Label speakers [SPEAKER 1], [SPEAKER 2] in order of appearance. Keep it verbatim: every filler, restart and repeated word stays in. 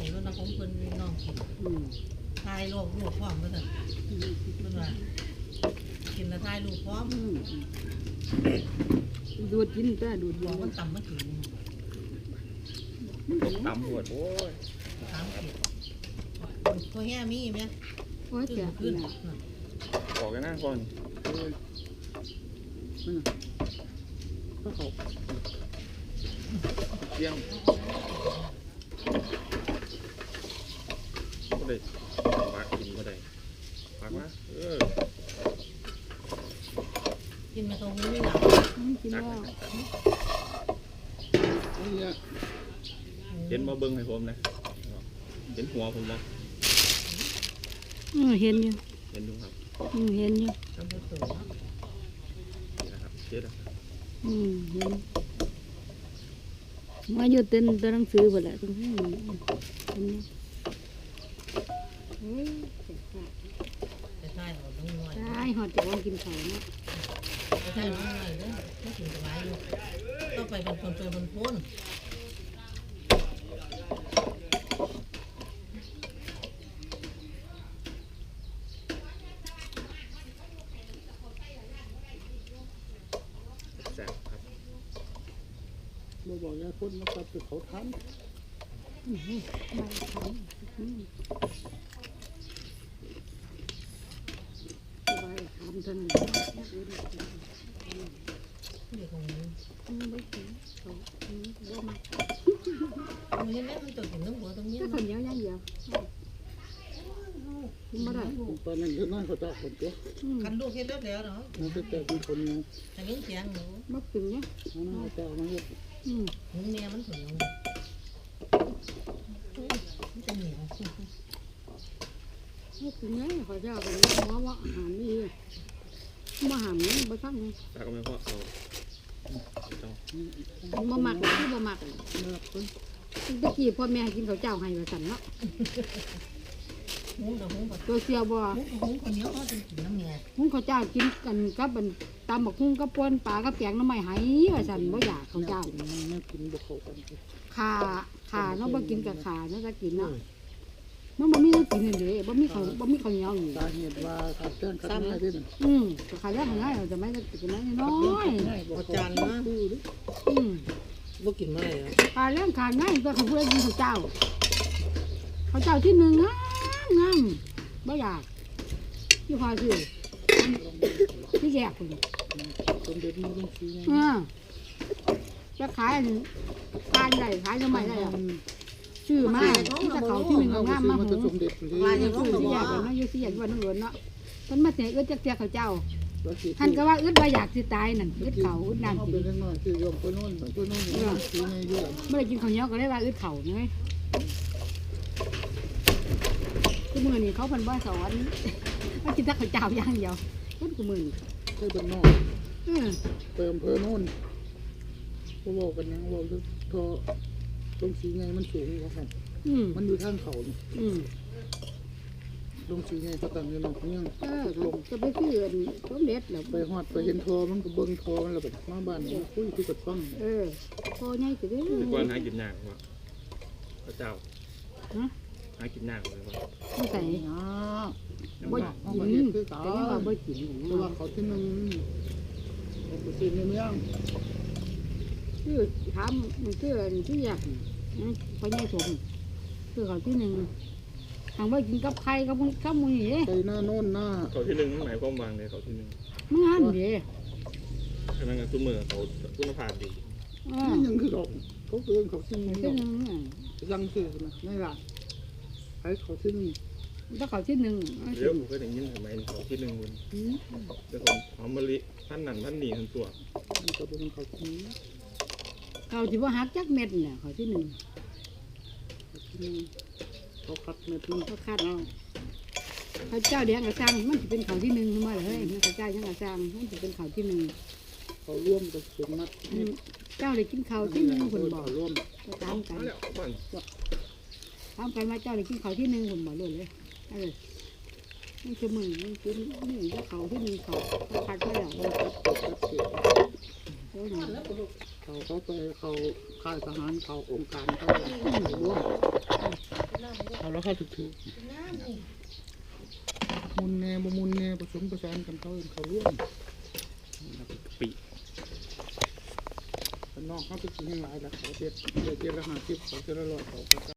[SPEAKER 1] ส่แล้วนะผมเพิ่นน้องกินทายโรคลูกพร้อมกันเถอะเพิ่นว่ากินแล้วทายลูกพร้อม
[SPEAKER 2] ดูดกินแต่ดูด
[SPEAKER 1] บอกมันต่ำมาถึง
[SPEAKER 3] ต่ำปวดโอ้ย
[SPEAKER 1] สามขีดตัวแง่มีไหม
[SPEAKER 2] โอ้ยแก่
[SPEAKER 1] ขึ้น
[SPEAKER 3] บอกกันนะก่อน
[SPEAKER 2] ก็เขา
[SPEAKER 3] เที่ยงก็ได้ปากกินก็ได้ปากมาเออ
[SPEAKER 1] กินมาตรงนี้หลัง
[SPEAKER 2] กินแล้ว
[SPEAKER 3] เห็นมาเบิ้งให้ผมนะเห็นหัวผมบ่
[SPEAKER 2] อือเห็นอยู่
[SPEAKER 3] เห็นดูครับ
[SPEAKER 2] อือเห็นอยู่
[SPEAKER 1] ทำให้สวย
[SPEAKER 3] นะครับเจ็ดนะครับ
[SPEAKER 2] อืมเห็นว่าอยู่เต้นตัวหนังสือหมดแหละตรงนี้เห็นอยู่เฮ้ย
[SPEAKER 1] จะทายหอดน้องน้อย
[SPEAKER 2] ใช่หอดจะวางกินข้าวนะ
[SPEAKER 1] จะทายน้องน้อยเด้อไม่ถึงจะไว้อยู่ต้องไปเป็นคนเป็นคนพ้น
[SPEAKER 4] เราบอกยาพ่นมาตัดเขาทำ
[SPEAKER 2] ไม่ทำสบายทำทันเ
[SPEAKER 1] ด็กของมึง
[SPEAKER 2] ไม่ถึงเขาบ่มา
[SPEAKER 1] มึงเห็นไหมมันจะกินน้ำหัวตรงนี้
[SPEAKER 2] ก็คนเดียวยังเดียวไม่ได้
[SPEAKER 4] ตอนนั้นเยอะมากเขาจะคนตัว
[SPEAKER 1] คันลูกเห็นแล้วแล้วเนาะ
[SPEAKER 4] มันจะเจอเป็นคนนึง
[SPEAKER 1] อันนี้เสียงหนู
[SPEAKER 2] มักถึงเนี่ย
[SPEAKER 4] นั่นเขาจะมาเยอะ
[SPEAKER 2] อืม
[SPEAKER 1] หนูเมียมันถึงมันจะเหนียว
[SPEAKER 2] มักถึงเนี่ยเขาจะเป็นหัวว่าหามนี่มาหามนี่มาทั้ง
[SPEAKER 3] ตาก็ไม่พอเอา
[SPEAKER 2] มาหมักที่มาหมักตะกี้พ่อแม่กินข้าวเจ้าให้มาสั่นเนาะตัวเสียวบ่
[SPEAKER 1] หุ้งคนเดียวเขาจะกินน้ำเมีย
[SPEAKER 2] หุ้งข้าวเจ้ากินกันกับบันตำบักหุ้งกับป่นปลากับแกงน้ำไม้ไหว่าสั่นบ่อยากข้าวเจ้า
[SPEAKER 4] ไม่กินบ่เข้ากัน
[SPEAKER 2] ขาขาเนาะบ่กินกับขาเนาะจะกินเนาะมันบ่มีเนื้อกินเลยบ่มีข้าวบ่มีข้าวเหนียวอยู่
[SPEAKER 4] สาเหตุว่าขาดเต้นขาดง่ายด้วย
[SPEAKER 2] อืมขาดยากง่ายเราจะไม่จะกินน้อยน้อย
[SPEAKER 1] อาจารย์นะ
[SPEAKER 2] อืม
[SPEAKER 1] บ่กินไม่
[SPEAKER 2] ขาดเรื่องขาดง่ายตัวของผู้ใดกินข้าวเจ้าข้าวเจ้าที่หนึ่งงามงามบ่อยากที่พอคือที่แยกคน
[SPEAKER 4] สมเด็จมันต้องซื้อ
[SPEAKER 2] อ่าจะขายการใหญ่ขายทำไมได้ชื่อมากที่จะเขาที่หนึ่งงามมากหูลายยังชื่อที่แยกกันเนาะอยู่ที่แยกวันนั้นล้วนเนาะมันมาเสียอึดจักเสียข้าวเจ้าท่านก็ว่าอึดว่าอยากสิตายนั่นอึดเขาอึดน้ำกิน
[SPEAKER 4] คือยมตัวนู้นตัวนู้นซื้อไงเยอะ
[SPEAKER 2] เมื่อไรกินข้าวเหนียวก็ได้ว่าอึดเข่าไงทุกมือนี่เขาเป็นบ้าสอนว่ากินแต่ข้าวเจ้าย่างเดียวทุกมือนี่
[SPEAKER 4] เคยเป็นนอกเติมเพิ่มนู่นเขาบอกกันนะบอกว่าทอตรงสีไงมันสูงกว่าครับมันอยู่ทางเขาตรงสีไงเขาตั้งอยู่นอกเนี่ย
[SPEAKER 2] ลงจะไปเพื่อนต้มเด็ดแล้ว
[SPEAKER 4] ไปหอดไปเห็นทอมันก็เบิ้งทอมันแล้วแบบมาบ้านคุยคุยกับฟัง
[SPEAKER 2] เออทอใหญ่จะได้
[SPEAKER 3] กวนหากินยากว่ะพระเจ้าหากินยากเลยว่ะ
[SPEAKER 2] ไม่ใส่บ่กินแต่ยังว่าบ่กิน
[SPEAKER 4] เพราะว่าเขาที่นึงเขาไปซื้อในเมือง
[SPEAKER 2] คือถามมันคือที่อยากไปใหญ่สมคือเขาที่หนึ่งทางว่ากินกับไข่กับข้าวมือ
[SPEAKER 4] นี่ไปหน้าโน่นหน้า
[SPEAKER 3] เขาที่หนึ่งหมายความว่าไงเขาที่หนึ่ง
[SPEAKER 2] ไม่งั้นดิ
[SPEAKER 3] ขนาดนั้นตุ้มมือเขาคุณภาพดี
[SPEAKER 4] ยังคือเขาเขาเกินเขาที่หนึ่งยังซื้อนะไม่ละไอ้เขาที่หนึ่ง
[SPEAKER 2] ถ้าเขาที่หนึ่ง
[SPEAKER 3] เดี๋ยวผมก็อย่างนี้ทำไมเขาที่หนึ่งคนเดี๋ยวผมหอมมะลิท่านนั่นท่านนี่ทั้งตัว
[SPEAKER 4] มันก็เป็นเขาที่
[SPEAKER 2] เขาที่ว่าหักจักเม็ดเนี่ยเขาที่หนึ่ง
[SPEAKER 4] เขาคัดเม็ดนึง
[SPEAKER 2] เขาคัดเอาเขาเจ้าเดียงกระซังมันจะเป็นเขาที่หนึ่งมาเลยเขาเจ้ายังกระซังมันจะเป็นเขาที่หนึ่ง
[SPEAKER 4] เขาร่วมกับสมนัด
[SPEAKER 2] เจ้าเลยกินเขาที่หนึ่งคนบอก
[SPEAKER 4] ร่วม
[SPEAKER 2] ตามกันตามกันมาเจ้าเลยกินเขาที่หนึ่งคนบอกเลยเลยเออนี่คือมึงมึงกินนี่ก็เขาที่หนึ่งเขาคัดไปแล้วโอ้ยนะ
[SPEAKER 4] เขาเขาไปเขาค่ายทหารเขาองค์การเขาร่วมเอาแล้วเข้าถึกถือมุนแน่บ่มุนแน่ผสมประสานกันเขาเขาร่วม
[SPEAKER 3] ปี
[SPEAKER 4] นอกเขาเป็นสิ่งหลายแล้วเขาเจ็ดเจ็ดละห้าสิบเขาเจ็ดละร้อยเขา